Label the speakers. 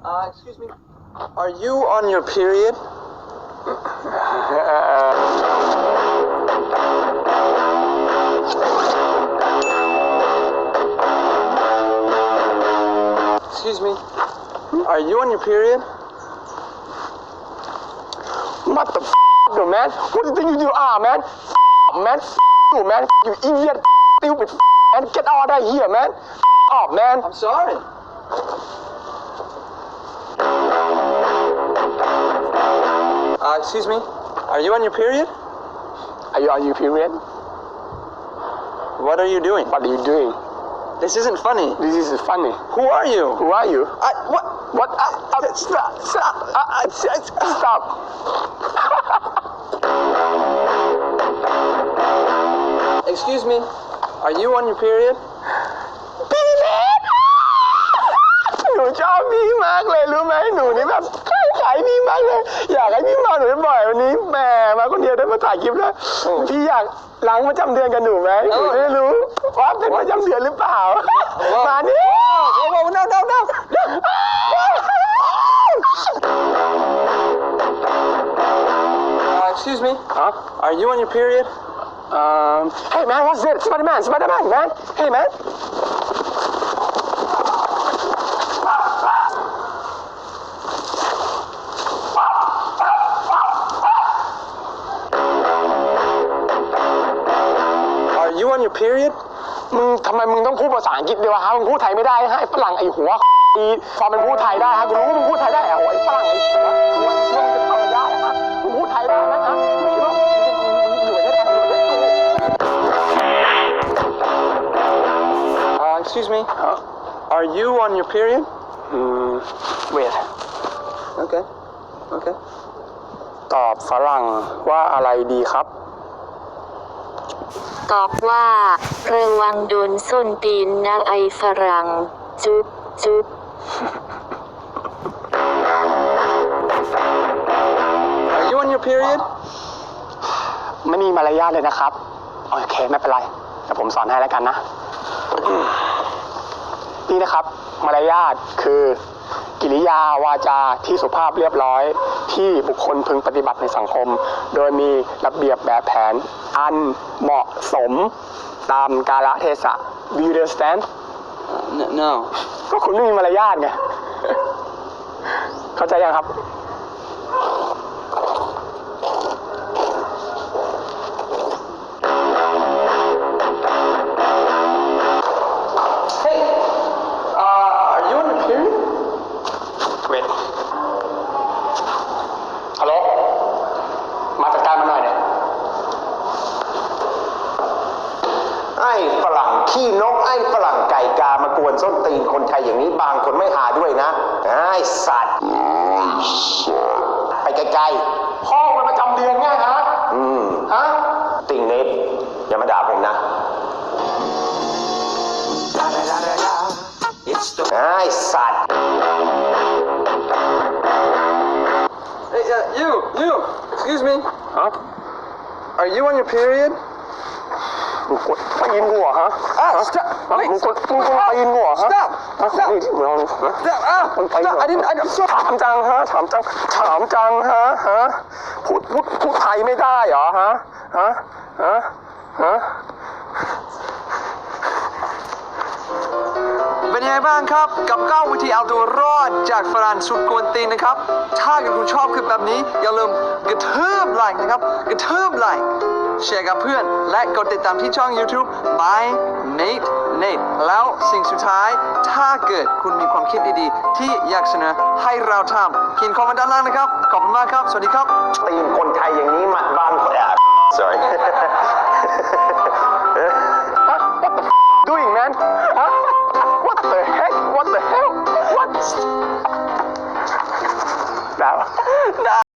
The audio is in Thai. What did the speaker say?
Speaker 1: Excuse me. Are you on your period? Excuse me. Are you on your period?
Speaker 2: What the you man? What do you think you are, man? Man, you man, you idiot, stupid man. Get out of here, man. Off, man.
Speaker 1: I'm sorry. Excuse me. Are you on your period?
Speaker 2: Are you on your period?
Speaker 1: What are you doing?
Speaker 2: What are you doing?
Speaker 1: This isn't funny.
Speaker 2: This is funny.
Speaker 1: Who are you?
Speaker 2: Who are you?
Speaker 1: What?
Speaker 2: What? Stop. Stop.
Speaker 1: Excuse me. Are you on your period?
Speaker 2: พี่เล็กหนูชอบพี่มากเลยรู้ไหมหนูนี่แบบขายพี่มากเลยอยากให้พี่มาหนูบ่อยวันนี้แหมมาคนเดียวได้มาถ่ายคลิปแล้วพี่อยากล้างประจำเดือนกันหนูไหมหนูไม่รู้ว่าเป็นประจำเดือนหรือเปล่ามานี่
Speaker 1: No. Excuse me. Are you on your period?
Speaker 2: Hey man, what's this? Spider-Man, man. Hey man.
Speaker 1: Are you on your period?
Speaker 2: ทำไมมึงต้องพูดภาษาอังกฤษด้วยวะฮะมึงพูดไทยไม่ได้ฮะไอ้ฝรั่งไอ้หัวอีความเป็นพูดไทยได้ฮะกูรู้ว่ามึงพูดไทยได้อะไอ้ฝรั่งไอ้หัวมึงจะทำได้ฮะมึงพูดไทยได้นะฮะมึงคิดว่าอยู่ในไทยอยู่ใน
Speaker 1: Excuse me. Are you on your period?
Speaker 2: wait
Speaker 1: Okay.
Speaker 2: ตอบฝรั่งว่าอะไรดีครับ
Speaker 3: ตอบว่าระวังโดนส้นตีนนะไอ้ฝรั่งจุ๊บ
Speaker 1: Are you on your period?
Speaker 2: ไม่มีมารยาทเลยนะครับโอเคไม่เป็นไรแต่ผมสอนให้แล้วกันนะนี่นะครับมารยาทคือกิริยาวาจาที่สุภาพเรียบร้อยที่บุคคลพึงปฏิบัติในสังคมโดยมีระเบียบแบบแผนอันเหมาะสมตามกาลเทศะ Do you understand?
Speaker 1: No.
Speaker 2: ก็คุณไม่มีมารยาทไง เข้าใจยังครับ
Speaker 1: Are you on your period?
Speaker 2: Wait ฮัลโหลมาจัดการมาหน่อยเนี่ย
Speaker 4: ไอ้ฝรั่งขี้นกไอ้ฝรั่งไก่กามากวนส้นตีนคนไทยอย่างนี้บางคนไม่หาด้วยนะไอ้สัตว์ไปไกล
Speaker 2: พ่อมันประจำเดือนไงฮะ ฮะ
Speaker 4: ๆติ่งเน็ตอย่ามาด่าผมนะไอ้สัตว์
Speaker 1: Hey, you. Excuse me.
Speaker 2: ฮะ
Speaker 1: Are you on your period?
Speaker 2: มึงกดตีนกูเหรอฮะ
Speaker 1: Stop.
Speaker 2: ฮะ
Speaker 1: Wait.
Speaker 2: มึงกดตีนกูเหรอฮะ
Speaker 1: Stop.
Speaker 2: ฮะ
Speaker 1: Stop.
Speaker 2: นี่ที่มึงเอาฮะ
Speaker 1: Stop.
Speaker 2: คนตีนเหรอ
Speaker 1: Stop. I'm sorry.
Speaker 2: ถามจังฮะถามจังฮะพูดไทยไม่ได้เหรอฮะฮะ
Speaker 1: เป็นยังไงบ้างครับกับ9วิธีเอาตัวรอดจากฝรั่งสุดกวนตีนนะครับถ้าเกิดคุณชอบคลิปแบบนี้อย่าลืมกระทืบไลค์นะครับกระทืบไลค์แชร์กับเพื่อนและกดติดตามที่ช่อง YouTube by Nate แล้วสิ่งสุดท้ายถ้าเกิดคุณมีความคิดดีๆที่อยากเสนอให้เราทำเขียนคอมเมนต์ด้านล่างนะครับขอบคุณมากครับสวัสดีครับ
Speaker 4: ตีนคนไทยอย่างนี้มันบางคนsorry
Speaker 2: What the doing man ฮะ What the heck What the hell What แล้ว